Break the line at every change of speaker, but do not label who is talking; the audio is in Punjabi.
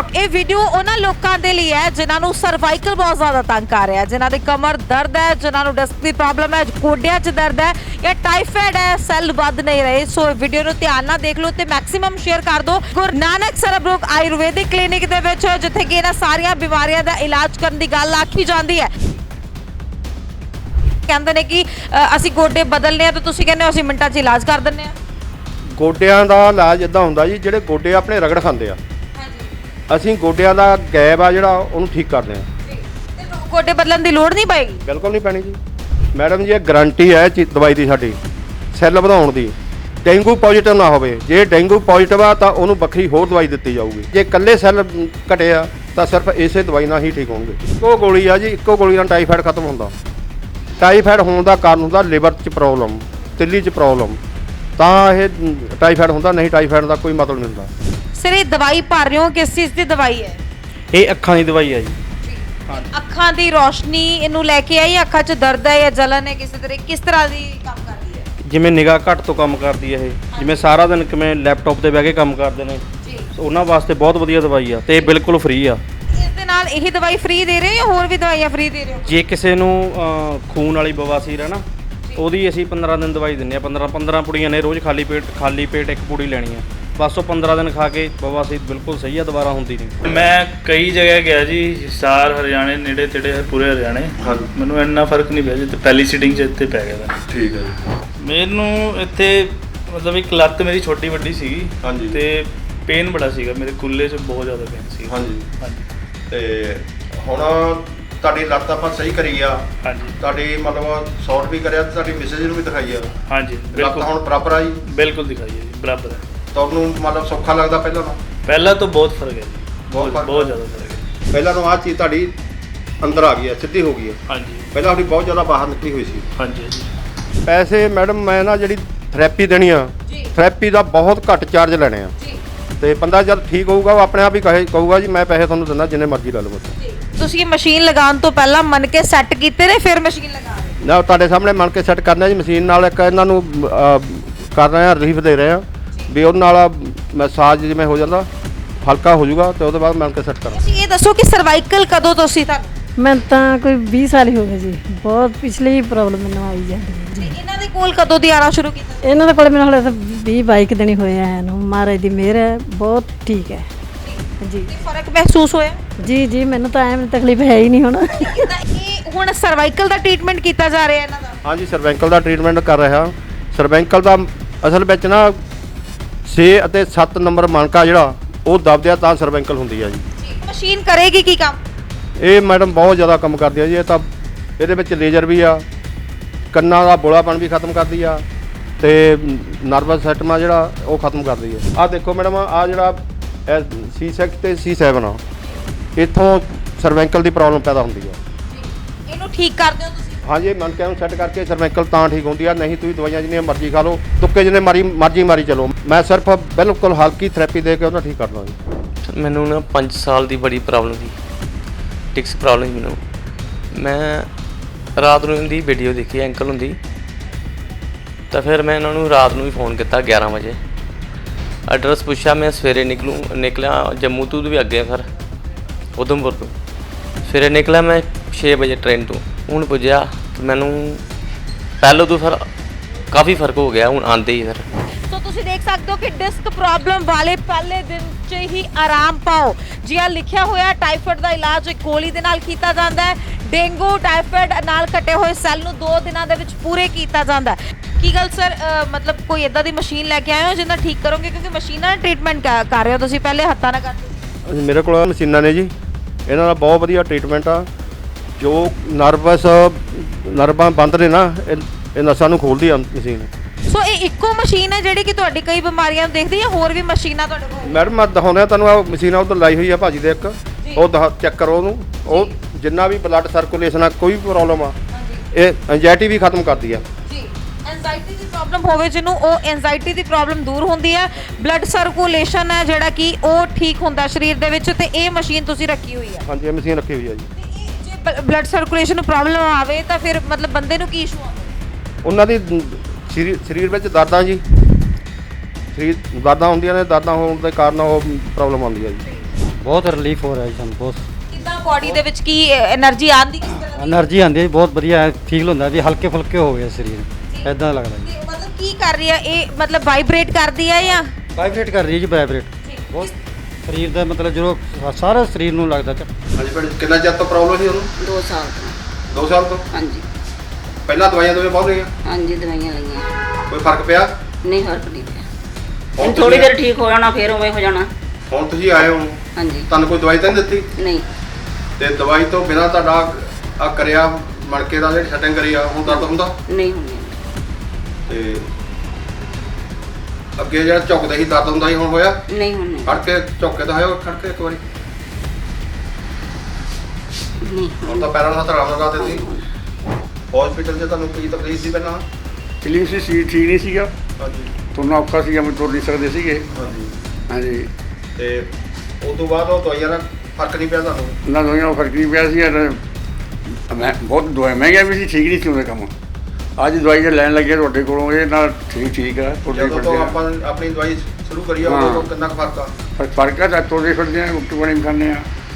ब्रोक ये वीडियो उन्होंने लोगों के लिए है जिन्होंने सर्वाइकल बहुत ज़्यादा तंग कर रहा है, जिन्होंने कमर दर्द है, जिन्होंने डिस्क की प्रॉब्लम है, गोडिया च दर्द है या टाइफाइड है, सैल बद नहीं रहे। सो वीडियो को ध्यान नाल देख लो तो मैक्सीमम शेयर कर दो। गुरु नानक सरबरोग आयुर्वेदिक क्लिनिक दे विच जिथे कि इन्हां सारियां बीमारियां दा इलाज करने की गल आखी जाती है। कहते हैं कि ਅਸੀਂ ਗੋਡੇ ਬਦਲਨੇ ਆ तो ਤੁਸੀਂ ਕਹਿੰਦੇ ਹੋ ਅਸੀਂ ਮਿੰਟਾਂ 'ਚ ਇਲਾਜ ਕਰ ਦਿੰਨੇ ਆ।
ਗੋਡਿਆਂ ਦਾ ਇਲਾਜ ਇਦਾਂ ਹੁੰਦਾ ਜੀ, ਜਿਹੜੇ ਗੋਡੇ ਆਪਣੇ ਰਗੜ ਖਾਂਦੇ ਆ, ਅਸੀਂ ਗੋਡਿਆਂ ਦਾ ਗੈਪ ਆ ਜਿਹੜਾ ਉਹਨੂੰ ਠੀਕ ਕਰਦੇ ਆ।
ਤੇ ਗੋਡੇ ਬਦਲਣ ਦੀ ਲੋੜ ਨਹੀਂ ਪਏਗੀ?
ਬਿਲਕੁਲ ਨਹੀਂ ਪੈਣੀ ਜੀ ਮੈਡਮ ਜੀ, ਇਹ ਗਾਰੰਟੀ ਹੈ ਦਵਾਈ ਦੀ ਸਾਡੀ ਸੈੱਲ ਵਧਾਉਣ ਦੀ। ਡੇਂਗੂ ਪੋਜ਼ਿਟਿਵ ਨਾ ਹੋਵੇ, ਜੇ ਡੇਂਗੂ ਪੋਜ਼ਿਟਿਵ ਆ ਤਾਂ ਉਹਨੂੰ ਵੱਖਰੀ ਹੋਰ ਦਵਾਈ ਦਿੱਤੀ ਜਾਊਗੀ। ਜੇ ਇਕੱਲੇ ਸੈੱਲ ਘਟੇ ਆ ਤਾਂ ਸਿਰਫ ਇਸੇ ਦਵਾਈ ਨਾਲ ਹੀ ਠੀਕ ਹੋਣਗੇ। ਇੱਕੋ ਗੋਲੀ ਆ ਜੀ, ਇੱਕੋ ਗੋਲੀ ਨਾਲ ਟਾਈਫਾਇਡ ਖਤਮ ਹੁੰਦਾ। ਟਾਈਫਾਇਡ ਹੋਣ ਦਾ ਕਾਰਨ ਹੁੰਦਾ ਲਿਵਰ 'ਚ ਪ੍ਰੋਬਲਮ, ਤਿੱਲੀ 'ਚ ਪ੍ਰੋਬਲਮ, ਤਾਂ ਇਹ ਟਾਈਫਾਇਡ ਹੁੰਦਾ। ਨਹੀਂ, ਟਾਈਫਾਇਡ ਦਾ ਕੋਈ ਮਤਲਬ ਨਹੀਂ ਹੁੰਦਾ।
ਸਰ ਇਹ ਦਵਾਈ ਭਰ ਰਹੇ ਹੋ, ਕਿਸ ਚੀਜ਼ ਦੀ ਦਵਾਈ ਹੈ?
ਇਹ ਅੱਖਾਂ ਦੀ ਦਵਾਈ ਹੈ ਜੀ।
ਅੱਖਾਂ ਦੀ ਰੋਸ਼ਨੀ ਇਹਨੂੰ ਲੈ ਕੇ ਆਈ, ਅੱਖਾਂ 'ਚ ਦਰਦ ਹੈ ਜਾਂ ਜਲਨ ਹੈ, ਕਿਸੇ ਤਰ੍ਹਾਂ ਕਿਸ ਤਰ੍ਹਾਂ ਦੀ ਕੰਮ ਕਰਦੀ ਹੈ?
ਜਿਵੇਂ ਨਿਗਾਹ ਘੱਟ ਤੋਂ ਕੰਮ ਕਰਦੀ ਹੈ ਇਹ, ਜਿਵੇਂ ਸਾਰਾ ਦਿਨ ਕਿਵੇਂ ਲੈਪਟਾਪ ਤੇ ਬਹਿ ਕੇ ਕੰਮ ਕਰਦੇ ਨੇ, ਉਹਨਾਂ ਵਾਸਤੇ ਬਹੁਤ ਵਧੀਆ ਦਵਾਈ ਆ ਤੇ ਇਹ ਬਿਲਕੁਲ ਫ੍ਰੀ ਆ।
ਇਸ ਦੇ ਨਾਲ ਇਹੀ ਦਵਾਈ ਫ੍ਰੀ ਦੇ ਰਹੇ ਹੋ ਜਾਂ ਹੋਰ ਵੀ ਦਵਾਈਆਂ ਫ੍ਰੀ ਦੇ ਰਹੇ ਹੋ?
ਜੇ ਕਿਸੇ ਨੂੰ ਖੂਨ ਵਾਲੀ ਬਵਾਸੀਰ ਹੈ ਨਾ, ਉਹਦੀ ਅਸੀਂ 15 ਦਿਨ ਦਵਾਈ ਦਿੰਦੇ ਆ। 15 ਪੁੜੀਆਂ ਨੇ ਰੋਜ਼ ਖਾਲੀ ਪੇਟ ਇੱਕ ਪੁੜੀ ਲੈਣੀ ਆ, ਬਸ ਉਹ 15 ਦਿਨ ਖਾ ਕੇ ਬਵਾਸੀਰ ਬਿਲਕੁਲ ਸਹੀ ਆ, ਦੁਬਾਰਾ ਹੁੰਦੀ ਨਹੀਂ।
ਮੈਂ ਕਈ ਜਗ੍ਹਾ ਗਿਆ ਜੀ, ਹਿਸਾਰ ਹਰਿਆਣੇ ਨੇੜੇ ਤੇੜੇ ਪੂਰੇ ਹਰਿਆਣੇ। ਮੈਨੂੰ ਇੰਨਾ ਫਰਕ ਨਹੀਂ ਪਿਆ ਜੀ, ਤੇ ਪਹਿਲੀ ਸੀਟਿੰਗ 'ਚ ਇੱਥੇ ਪੈ ਗਿਆ ਤਾ।
ਠੀਕ ਹੈ ਜੀ।
ਮੈਨੂੰ ਇੱਥੇ ਮਤਲਬ ਇੱਕ ਲੱਤ ਮੇਰੀ ਛੋਟੀ ਵੱਡੀ ਸੀਗੀ।
ਹਾਂਜੀ।
ਤੇ ਪੇਨ ਬੜਾ ਸੀਗਾ, ਮੇਰੇ ਕੁੱਲੇ 'ਚ ਬਹੁਤ ਜ਼ਿਆਦਾ ਪੇਨ ਸੀ।
ਹਾਂਜੀ।
ਹਾਂਜੀ
ਤੇ ਹੁਣ ਤੁਹਾਡੀ ਲੱਤ ਆਪਾਂ ਸਹੀ ਕਰੀ ਆ,
ਹਾਂਜੀ
ਤੁਹਾਡੀ ਮਤਲਬ ਸੌਟ ਵੀ ਕਰਿਆ ਤੇ ਤੁਹਾਡੀ ਮੈਸੇਜ ਨੂੰ ਵੀ ਦਿਖਾਈ ਆ,
ਹਾਂਜੀ
ਲੱਤ
ਬਿਲਕੁਲ
ਹੁਣ ਬਰਾਬਰ ਆ ਜੀ।
ਬਿਲਕੁਲ ਦਿਖਾਈਏ ਜੀ, ਬਰਾਬਰ ਹੈ।
ਤੁਹਾਨੂੰ ਮਤਲਬ ਸੌਖਾ ਲੱਗਦਾ ਪਹਿਲਾਂ ਨਾਲੋਂ?
ਪਹਿਲਾਂ ਤੋਂ ਬਹੁਤ ਫਰਕ ਹੈ ਜੀ,
ਬਹੁਤ ਫਰਕ
ਬਹੁਤ ਜ਼ਿਆਦਾ ਫਰਕ ਹੈ।
ਪਹਿਲਾਂ ਤੋਂ ਆਹ ਚੀਜ਼ ਤੁਹਾਡੀ ਅੰਦਰ ਆ ਗਈ ਹੈ, ਸਿੱਧੀ ਹੋ ਗਈ ਹੈ।
ਹਾਂਜੀ
ਪਹਿਲਾਂ ਤੁਹਾਡੀ ਬਹੁਤ ਜ਼ਿਆਦਾ ਬਾਹਰ ਨਿਕਲੀ ਹੋਈ ਸੀ।
ਹਾਂਜੀ ਜੀ।
ਪੈਸੇ ਮੈਡਮ ਮੈਂ ਨਾ ਜਿਹੜੀ ਥੈਰੇਪੀ ਦੇਣੀ ਆ, ਥੈਰੇਪੀ ਦਾ ਬਹੁਤ ਘੱਟ ਚਾਰਜ ਲੈਣੇ ਆ। ਤੇ ਬੰਦਾ ਜਦ ਠੀਕ ਹੋਊਗਾ ਉਹ ਆਪਣੇ ਆਪ ਹੀ ਕਹੂਗਾ ਜੀ ਮੈਂ ਪੈਸੇ ਤੁਹਾਨੂੰ ਦਿੰਦਾ ਜਿੰਨੇ ਮਰਜ਼ੀ ਲੈ ਲਓ।
ਤੁਸੀਂ ਮਸ਼ੀਨ ਲਗਾਉਣ ਤੋਂ ਪਹਿਲਾਂ ਮਨ ਕੇ ਸੈੱਟ ਕੀਤੇ ਨੇ ਫਿਰ ਮਸ਼ੀਨ ਲਗਾ ਰਹੇ?
ਨਾ, ਤੁਹਾਡੇ ਸਾਹਮਣੇ ਮੰਨ ਕੇ ਸੈੱਟ ਕਰਨਾ ਜੀ ਮਸ਼ੀਨ ਨਾਲ। ਇੱਕ ਇਹਨਾਂ ਨੂੰ ਕਰ ਰਹੇ ਆ, ਰਿਲੀਫ ਦੇ ਰਹੇ ਆ ਵੀ ਉਹਦੇ ਨਾਲ ਮਸਾਜ ਜਿਵੇਂ ਹੋ ਜਾਂਦਾ ਹਲਕਾ ਹੋ ਜਾਊਗਾ ਤੇ ਉਹਦੇ ਬਾਅਦ ਮੰਨ ਕੇ ਸੈੱਟ ਕਰਾਂ।
ਤੁਸੀਂ ਇਹ ਦੱਸੋ ਕਿ ਸਰਵਾਈਕਲ ਕਦੋਂ ਤੋਂ ਸੀ ਤੁਹਾਨੂੰ?
ਮੈਂ ਤਾਂ ਕੋਈ 20 ਸਾਲ ਹੀ ਹੋ ਗਏ ਜੀ, ਬਹੁਤ ਪਿਛਲੀ ਹੀ ਪ੍ਰੋਬਲਮ ਮੈਨੂੰ ਆਈ ਜਾਂਦੀ ਹੈ ਜੀ।
ਇਹਨਾਂ ਦੇ ਕੋਲ ਕਦੋਂ ਦੀ ਆਣਾ ਸ਼ੁਰੂ ਕੀਤਾ?
ਇਹਨਾਂ ਦੇ ਕੋਲ ਮੈਨੂੰ ਹਲੇ ਤਾਂ 20-22 ਦਿਨ ਹੀ ਹੋਏ ਆ ਇਹਨੂੰ। ਮਹਾਰਾਜ ਦੀ ਮਿਹਰ ਹੈ, ਬਹੁਤ ਠੀਕ ਹੈ ਜੀ।
ਤੇ ਫਰਕ ਮਹਿਸੂਸ ਹੋਇਆ?
ਜੀ ਮੈਨੂੰ ਤਾਂ ਐਵੇਂ ਤਕਲੀਫ ਹੈ ਹੀ ਨਹੀਂ ਹੁਣ।
ਤਾਂ ਇਹ ਹੁਣ ਸਰਵਾਈਕਲ ਦਾ ਟ੍ਰੀਟਮੈਂਟ ਕੀਤਾ ਜਾ ਰਿਹਾ ਇਹਨਾਂ ਦਾ?
ਹਾਂਜੀ, ਸਰਵੈਂਕਲ ਦਾ ਟ੍ਰੀਟਮੈਂਟ ਕਰ ਰਿਹਾ। ਸਰਵੈਂਕਲ ਦਾ ਅਸਲ ਵਿੱਚ ਨਾ 6 ਅਤੇ 7 ਨੰਬਰ ਮਣਕਾ ਜਿਹੜਾ ਉਹ ਦਬਦਿਆ ਤਾਂ ਸਰਵੈਂਕਲ ਹੁੰਦੀ ਆ ਜੀ।
ਮਸ਼ੀਨ ਕਰੇਗੀ ਕੀ ਕੰਮ?
ਇਹ ਮੈਡਮ ਬਹੁਤ ਜ਼ਿਆਦਾ ਕੰਮ ਕਰਦੀ ਆ ਜੀ। ਇਹ ਤਾਂ ਇਹਦੇ ਵਿੱਚ ਲੇਜ਼ਰ ਵੀ ਆ, ਕੰਨਾਂ ਦਾ ਬੋਲਾਪਣ ਵੀ ਖਤਮ ਕਰਦੀ ਆ ਤੇ ਨਰਵਸ ਸਿਸਟਮ ਆ ਜਿਹੜਾ ਉਹ ਖਤਮ ਕਰਦੀ ਆ। ਆਹ ਦੇਖੋ ਮੈਡਮ, ਆਹ ਜਿਹੜਾ C6 ਤੇ C7 ਆ, ਇੱਥੋਂ ਸਰਵੈਂਕਲ ਦੀ ਪ੍ਰੋਬਲਮ ਪੈਦਾ ਹੁੰਦੀ ਆ।
ਇਹਨੂੰ ਠੀਕ ਕਰਦੇ ਹੋ ਤੁਸੀਂ?
ਹਾਂਜੀ, ਮਣਕਿਆਂ ਨੂੰ ਸੈੱਟ ਕਰਕੇ ਸਰਵੈਂਕਲ ਤਾਂ ਠੀਕ ਹੁੰਦੀ ਆ। ਨਹੀਂ ਤੁਸੀਂ ਦਵਾਈਆਂ ਜਿੰਨੀਆਂ ਮਰਜ਼ੀ ਖਾ ਲਓ, ਤੁੱਕੇ ਜਿੰਨੇ ਮਰਜ਼ੀ ਮਾਰੀ ਚਲੋ। ਮੈਂ ਸਿਰਫ ਬਿਲਕੁਲ ਹਲਕੀ ਥੈਰੇਪੀ ਦੇ ਕੇ ਉਹਨਾਂ ਠੀਕ ਕਰਦਾ ਜੀ।
ਮੈਨੂੰ ਨਾ 5 ਸਾਲ ਦੀ ਬੜੀ ਪ੍ਰੋਬਲਮ ਸੀ, ਡਿਸਕ ਪ੍ਰੋਬਲਮ ਸੀ ਮੈਨੂੰ। ਮੈਂ ਰਾਤ ਨੂੰ ਇਹਦੀ ਵੀਡੀਓ ਦੇਖੀ, ਐਂਕਲ ਹੁੰਦੀ, ਤਾਂ ਫਿਰ ਮੈਂ ਇਹਨਾਂ ਨੂੰ ਰਾਤ ਨੂੰ ਵੀ ਫੋਨ ਕੀਤਾ 11 ਵਜੇ। ਐਡਰੈਸ ਪੁੱਛਿਆ, ਮੈਂ ਸਵੇਰੇ ਨਿਕਲਿਆ ਜੰਮੂ ਤੋਂ ਵੀ ਅੱਗੇ, ਫਿਰ ਉਧਮਪੁਰ ਤੋਂ ਸਵੇਰੇ ਨਿਕਲਿਆ ਮੈਂ 6 ਵਜੇ ਟ੍ਰੇਨ ਤੋਂ। ਹੁਣ ਪੁੱਜਿਆ ਕਿ ਮੈਨੂੰ ਪਹਿਲਾਂ ਤੋਂ ਫਿਰ ਕਾਫੀ ਫਰਕ ਹੋ ਗਿਆ ਹੁਣ ਆਉਂਦੇ ਹੀ। ਫਿਰ
ਸੋ ਤੁਸੀਂ ਦੇਖ ਸਕਦੇ ਹੋ ਕਿ ਡਿਸਕ ਪ੍ਰੋਬਲਮ ਵਾਲੇ ਪਹਿਲੇ ਦਿਨ 'ਚ ਹੀ ਆਰਾਮ ਪਾਓ। ਜੀ ਆ ਲਿਖਿਆ ਹੋਇਆ, ਟਾਈਫਾਇਡ ਦਾ ਇਲਾਜ ਇੱਕ ਗੋਲੀ ਦੇ ਨਾਲ ਕੀਤਾ ਜਾਂਦਾ ਹੈ। ਡੇਂਗੂ ਟਾਈਫਾਇਡ ਨਾਲ ਕੱਟੇ ਹੋਏ ਸੈੱਲ ਨੂੰ 2 ਦਿਨਾਂ ਦੇ ਵਿੱਚ ਪੂਰੇ ਕੀਤਾ ਜਾਂਦਾ ਹੈ। ਕੀ ਗੱਲ ਸਰ, ਮਤਲਬ ਕੋਈ ਇਦਾਂ ਦੀ ਮਸ਼ੀਨ ਲੈ ਕੇ ਆਏ ਹੋ ਜਿਹਨਾਂ ਠੀਕ ਕਰੋਗੇ? ਕਿਉਂਕਿ ਮਸ਼ੀਨਾਂ ਨਾਲ ਟ੍ਰੀਟਮੈਂਟ ਕਰ ਰਹੇ ਹੋ ਤੁਸੀਂ, ਪਹਿਲੇ ਹੱਥਾਂ ਨਾਲ ਕਰਦੇ?
ਮੇਰੇ ਕੋਲ ਮਸ਼ੀਨਾਂ ਨੇ ਜੀ, ਇਹਨਾਂ ਦਾ ਬਹੁਤ ਵਧੀਆ ਟ੍ਰੀਟਮੈਂਟ ਆ। ਜੋ ਨਰਵਾਂ ਬੰਦ ਨੇ ਨਾ, ਇਹ ਨਸਾਂ ਨੂੰ ਖੋਲਦੀ ਆ ਮਸ਼ੀਨ।
ਸੋ ਇਹ ਇੱਕੋ ਮਸ਼ੀਨ ਹੈ ਜਿਹੜੀ ਕਿ ਤੁਹਾਡੀ ਕਈ ਬਿਮਾਰੀਆਂ ਨੂੰ ਦੇਖਦੀ ਹੈ, ਹੋਰ ਵੀ ਮਸ਼ੀਨਾਂ ਤੁਹਾਡੇ ਕੋਲ?
ਮੈਡਮ ਮੈਂ ਦਿਖਾਉਂਦਾ ਤੁਹਾਨੂੰ, ਆ ਮਸ਼ੀਨ ਉਧਰ ਲਾਈ ਹੋਈ ਆ ਭਾਜੀ ਦੇ ਇੱਕ, ਉਹ ਚੈੱਕ ਕਰੋ ਉਹਨੂੰ। ਉਹ ਜਿੰਨਾ ਵੀ ਬਲੱਡ ਸਰਕੂਲੇਸ਼ਨ ਆ, ਕੋਈ ਵੀ ਪ੍ਰੋਬਲਮ ਆ, ਇਹ ਐਂਜ਼ਾਈਟੀ ਵੀ ਖਤਮ ਕਰਦੀ ਆ
ਜੀ। ਐਂਜ਼ਾਈਟੀ ਦੀ ਪ੍ਰੋਬਲਮ ਹੋਵੇ ਜਿਹਨੂੰ, ਉਹ ਐਂਜ਼ਾਈਟੀ ਦੀ ਪ੍ਰੋਬਲਮ ਦੂਰ ਹੁੰਦੀ ਹੈ। ਬਲੱਡ ਸਰਕੂਲੇਸ਼ਨ ਹੈ ਜਿਹੜਾ ਕਿ ਉਹ ਠੀਕ ਹੁੰਦਾ ਸਰੀਰ ਦੇ ਵਿੱਚ, ਤੇ ਇਹ ਮਸ਼ੀਨ ਤੁਸੀਂ ਰੱਖੀ ਹੋਈ ਹੈ?
ਹਾਂਜੀ, ਇਹ ਮਸ਼ੀਨ ਰੱਖੀ ਹੋਈ ਆ ਜੀ।
ਜੇ ਬਲੱਡ ਸਰਕੂਲੇਸ਼ਨ ਨੂੰ ਪ੍ਰੋਬਲਮ ਆਵੇ ਤਾਂ ਫਿਰ ਮਤਲਬ ਬੰਦੇ ਨੂੰ ਕੀ ਇਸ਼ੂ ਆਉਂਦਾ?
ਉਹਨਾਂ ਦੀ ਸਰੀਰ ਵਿੱਚ ਦਰਦਾਂ ਜੀ, ਸਰੀਰ ਦਰਦਾਂ ਹੁੰਦੀਆਂ ਨੇ, ਦਰਦਾਂ ਹੋਣ ਦੇ ਕਾਰਨ ਉਹ ਪ੍ਰੋਬਲਮ ਆਉਂਦੀ ਹੈ ਜੀ।
ਬਹੁਤ ਰਿਲੀਫ ਹੋ ਰਿਹਾ ਜੀ ਸਾਨੂੰ, ਬਹੁਤ
ਕਿੱਦਾਂ ਬਾਡੀ ਦੇ ਵਿੱਚ ਕੀ એનર્ਜੀ ਆਉਂਦੀ ਕਿਸ ਤਰ੍ਹਾਂ ਦੀ?
એનર્ਜੀ ਆਉਂਦੀ ਹੈ, ਬਹੁਤ ਵਧੀਆ ਫੀਲ ਹੁੰਦਾ ਵੀ ਹਲਕੇ ਫੁਲਕੇ ਹੋ ਗਏ ਸਰੀਰ, ਐਦਾਂ ਲੱਗਦਾ ਜੀ।
ਤੇ ਮਤਲਬ ਕੀ ਕਰ ਰਹੀ ਹੈ ਇਹ, ਮਤਲਬ ਵਾਈਬ੍ਰੇਟ ਕਰਦੀ ਹੈ ਜਾਂ
ਵਾਈਬ੍ਰੇਟ ਕਰ ਰਹੀ ਹੈ ਜੀ, ਵਾਈਬ੍ਰੇਟ ਬਹੁਤ ਸਰੀਰ ਦਾ ਮਤਲਬ ਜਦੋਂ ਸਾਰਾ ਸਰੀਰ ਨੂੰ ਲੱਗਦਾ
ਹਾਂਜੀ ਭੈਣ ਜੀ, ਕਿੰਨਾ ਚਿਰ ਤੋਂ ਪ੍ਰੋਬਲਮ ਸੀ ਉਹਨੂੰ?
2 ਸਾਲ ਤੋਂ
2 ਸਾਲ ਤੋਂ?
ਹਾਂਜੀ
ਪਹਿਲਾਂ ਦਵਾਈਆਂ ਦੋਵੇਂ ਬਹੁਤ ਰਹੀਆਂ,
ਹਾਂਜੀ ਦਵਾਈਆਂ ਲਈਆਂ,
ਕੋਈ ਫਰਕ ਪਿਆ?
ਨਹੀਂ ਫਰਕ ਨਹੀਂ ਪਿਆ।
ਹੁਣ
ਹੁਣ ਥੋੜੀ ਦੇਰ ਠੀਕ ਹੋ ਜਾਣਾ, ਫਿਰ ਉਵੇਂ ਹੋ ਜਾਣਾ।
ਹੁਣ ਤੁਸੀਂ ਆਏ ਹੋ,
ਹਾਂਜੀ
ਤੁਹਾਨੂੰ ਕੋਈ ਦਵਾਈ ਤਾਂ ਨਹੀਂ ਦਿੱਤੀ?
ਨਹੀਂ
ਤੇ ਦਵਾਈ ਤੋਂ ਬਿਨਾਂ ਤੁਹਾਡਾ ਆ ਕਰਿਆ ਮਣਕੇ ਦਾ ਜਿਹੜੀ ਸੈਟਿੰਗ ਕਰੀ ਆ, ਹੁਣ ਦਰਦ ਹੁੰਦਾ?
ਨਹੀਂ ਹੁੰਦੀ।
ਤੇ ਅੱਗੇ ਜਿਹੜਾ ਝੁਕਦੇ ਸੀ ਦਰਦ ਹੁੰਦਾ ਸੀ, ਹੁਣ ਹੋਇਆ?
ਨਹੀਂ ਹੁੰਦੀ।
ਖੜ ਕੇ ਝੁੱਕ ਕੇ ਤਾਂ ਹੋਇਆ, ਖੜ ਕੇ ਇੱਕ ਵਾਰੀ।
ਨਹੀਂ
ਹੁਣ ਤਾਂ ਪੈਰਾਂ ਨੂੰ ਹੱਥ ਆਰਾਮ ਲਗਾ ਦਿੱਤੀ। ਹਸਪੀਟਲ 'ਚ ਤੁਹਾਨੂੰ ਕੀ ਤਕਲੀਫ ਸੀ ਪਹਿਲਾਂ?
ਕਲੀਨ ਸੀ, ਠੀਕ ਨਹੀਂ ਸੀਗਾ,
ਹਾਂਜੀ
ਤੁਰਨਾ ਔਖਾ ਸੀਗਾ, ਮੈਂ ਤੁਰ ਨਹੀਂ ਸਕਦੇ ਸੀਗੇ।
ਹਾਂਜੀ।
ਹਾਂਜੀ,
ਤੇ ਉਸ ਤੋਂ ਬਾਅਦ ਉਹ ਦਵਾਈਆਂ ਨਾਲ ਫਰਕ ਨਹੀਂ ਪਿਆ ਤੁਹਾਨੂੰ?
ਨਾ ਦਵਾਈਆਂ ਨਾਲ ਫਰਕ ਨਹੀਂ ਪਿਆ ਸੀ। ਮੈਂ ਬਹੁਤ ਦਵਾਈ ਮਹਿੰਗੀਆਂ ਵੀ ਸੀ, ਠੀਕ ਨਹੀਂ ਸੀ ਉਹਦਾ ਕੰਮ। ਅੱਜ ਦਵਾਈ ਜੇ ਲੈਣ ਲੱਗੇ ਤੁਹਾਡੇ ਕੋਲੋਂ, ਇਹ ਨਾਲ ਠੀਕ ਆ, ਤੁਰਦੇ
ਜਦੋਂ ਤੋਂ
ਫਿਰਦੇ
ਆਪਾਂ ਆਪਣੀ ਦਵਾਈ ਸ਼ੁਰੂ ਕਰੀ ਆ, ਉਦੋਂ ਤੋਂ ਕਿੰਨਾ ਕੁ ਫਰਕ ਆ?
ਆ। ਫਰਕ ਆ ਤਾਂ ਤੁਰਦੇ ਫਿਰਦੇ ਆ, ਰੋਟੀ ਪਾਣੀ ਵੀ ਖਾਂਦੇ ਆ।